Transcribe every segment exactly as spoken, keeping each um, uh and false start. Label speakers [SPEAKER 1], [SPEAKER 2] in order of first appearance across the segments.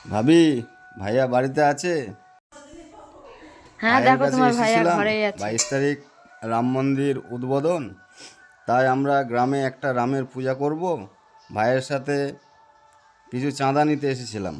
[SPEAKER 1] ভাবি, ভাইয়া বাড়িতে আছে?
[SPEAKER 2] হ্যাঁ,
[SPEAKER 1] ভাইয়ের
[SPEAKER 2] দেখো
[SPEAKER 1] কাছে
[SPEAKER 2] তোমার ভাইয়া
[SPEAKER 1] এসেছিলাম
[SPEAKER 2] ঘরেই আছে।
[SPEAKER 1] বাইশ তারিখ রাম মন্দির উদ্বোধন। তাই আমরা গ্রামে একটা রামের পূজা করব। ভাইয়ের সাথে কিছু চাঁদা নিতে এসেছিলাম।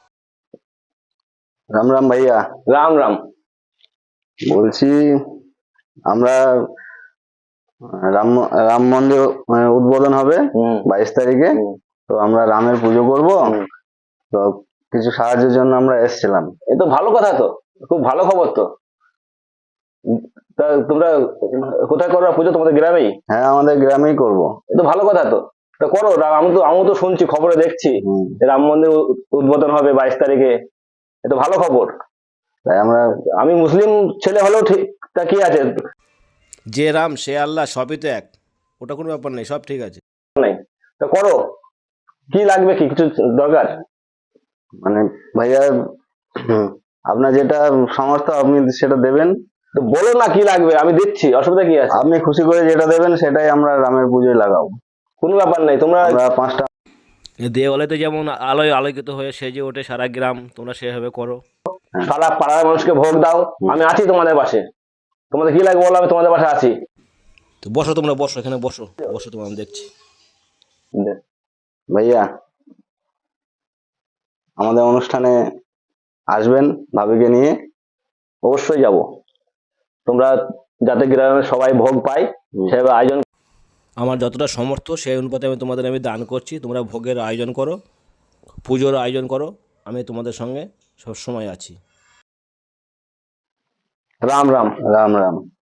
[SPEAKER 1] রাম রাম ভাইয়া।
[SPEAKER 3] রাম রাম।
[SPEAKER 1] বলছি, আমরা রাম রাম মন্দির আহ, উদ্বোধন হবে
[SPEAKER 3] হুম
[SPEAKER 1] বাইশ তারিখে।
[SPEAKER 3] হুম
[SPEAKER 1] তো আমরা রামের পুজো করব।
[SPEAKER 3] হুম।
[SPEAKER 1] তো কিছু সাহায্যের জন্য আমরা এসেছিলাম।
[SPEAKER 3] এ তো ভালো কথা, তো খুব ভালো খবর তো। উম, তা তোমরা কোথায় করো পুজো? তোমাদের গ্রামেই?
[SPEAKER 1] হ্যাঁ, আমাদের গ্রামেই করব।
[SPEAKER 3] এ তো ভালো কথা তো। তা করো, রা- আমি তো আমিও তো শুনছি, খবরে দেখছি
[SPEAKER 1] হুম।
[SPEAKER 3] যে রাম মন্দির উ- উদ্বোধন হবে বাইশ তারিখে। এ তো ভালো খবর।
[SPEAKER 1] তাই আমরা
[SPEAKER 3] আমি মুসলিম ছেলে হলেও ঠিক, তা কি আছে,
[SPEAKER 4] যে রাম সে আল্লাহ, সবই তো এক। ওটা কোনো ব্যাপার নেই, সব ঠিক আছে।
[SPEAKER 3] নাই? তা করো, কি লাগবে, কি কিছু দরকার?
[SPEAKER 1] মানে ভাইয়া, হুম, আপনার যেটা সামর্থ্য আপনি সেটা দেবেন।
[SPEAKER 3] তো বলো না কি লাগবে, আমি দিচ্ছি, অসুবিধা কি আছে?
[SPEAKER 1] আপনি খুশি করে যেটা দেবেন সেটাই আমরা রামের পুজোয় লাগাবো।
[SPEAKER 3] কোনো ব্যাপার নেই, তোমরা
[SPEAKER 1] আমরা পাঁচটা
[SPEAKER 4] এ দেওয়ালেতে যেমন আলোয় আলোকিত হয়ে সেজে ওঠে সারা গ্রাম, তোমরা সেভাবে করো।
[SPEAKER 3] সারা পাড়ার মানুষকে ভোগ দাও, আমি আছি তোমাদের পাশে। তোমাদের কি লাগবে বলো, আমি তোমাদের পাশে আছি।
[SPEAKER 4] তো বসো, তোমরা বসো, এখানে বসো বসো, তোমরা আমি দেখছি।
[SPEAKER 1] ভাইয়া, আমাদের অনুষ্ঠানে আসবেন ভাবিকে নিয়ে।
[SPEAKER 3] অবশ্যই যাব। তোমরা যাতে গ্রামের সবাই ভোগ পায়
[SPEAKER 1] হুম।
[SPEAKER 3] সেভাবে আয়োজন।
[SPEAKER 4] আমার যতটা সমর্থ সেই অনুপাতে আমি তোমাদের আমি দান করছি। তোমরা ভোগের আয়োজন করো, পুজোর আয়োজন করো, আমি তোমাদের সঙ্গে সবসময় আছি।
[SPEAKER 3] রাম রাম।
[SPEAKER 1] রাম রাম।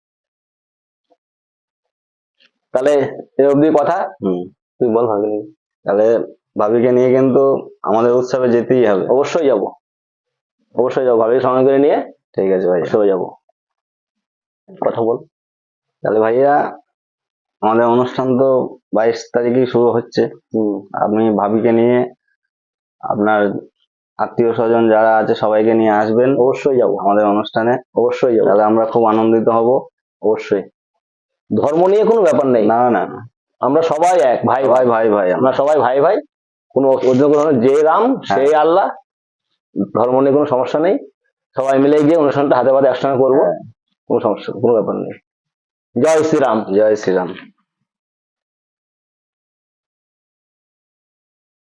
[SPEAKER 3] তাহলে এ অবধি কথা।
[SPEAKER 1] হুম।
[SPEAKER 3] তুই বল ভাবি।
[SPEAKER 1] তাহলে ভাবিকে নিয়ে কিন্তু আমাদের উৎসবে যেতেই হবে।
[SPEAKER 3] অবশ্যই যাব, অবশ্যই যাবো, ভাবিকে সঙ্গে করে নিয়ে
[SPEAKER 1] ঠিক আছে ভাইয়া।
[SPEAKER 3] উৎসবে যাব। কথা বল।
[SPEAKER 1] তাহলে ভাইয়া, আমাদের অনুষ্ঠান তো বাইশ তারিখেই শুরু হচ্ছে।
[SPEAKER 3] হম।
[SPEAKER 1] আপনি ভাবিকে নিয়ে আপনার আত্মীয় স্বজন যারা আছে সবাইকে নিয়ে আসবেন
[SPEAKER 3] অবশ্যই যাব,
[SPEAKER 1] আমাদের অনুষ্ঠানে।
[SPEAKER 3] অবশ্যই যাব,
[SPEAKER 1] তাহলে আমরা খুব আনন্দিত হব।
[SPEAKER 3] অবশ্যই। ধর্ম নিয়ে কোনো ব্যাপার নেই,
[SPEAKER 1] না না না,
[SPEAKER 3] আমরা সবাই এক ভাই
[SPEAKER 1] ভাই
[SPEAKER 3] ভাই।
[SPEAKER 1] ভাই ভাই
[SPEAKER 3] আমরা
[SPEAKER 1] আমরা।
[SPEAKER 3] সবাই ভাই ভাই, কোনো অন্য কোনো যে রাম সেই আল্লাহ, ধর্ম নিয়ে কোনো সমস্যা নেই। সবাই মিলে গিয়ে অনুষ্ঠানটা হাতে পাতে একসঙ্গে করবো, কোনো সমস্যা, কোনো ব্যাপার নেই। জয় শ্রীরাম।
[SPEAKER 1] জয় শ্রীরাম।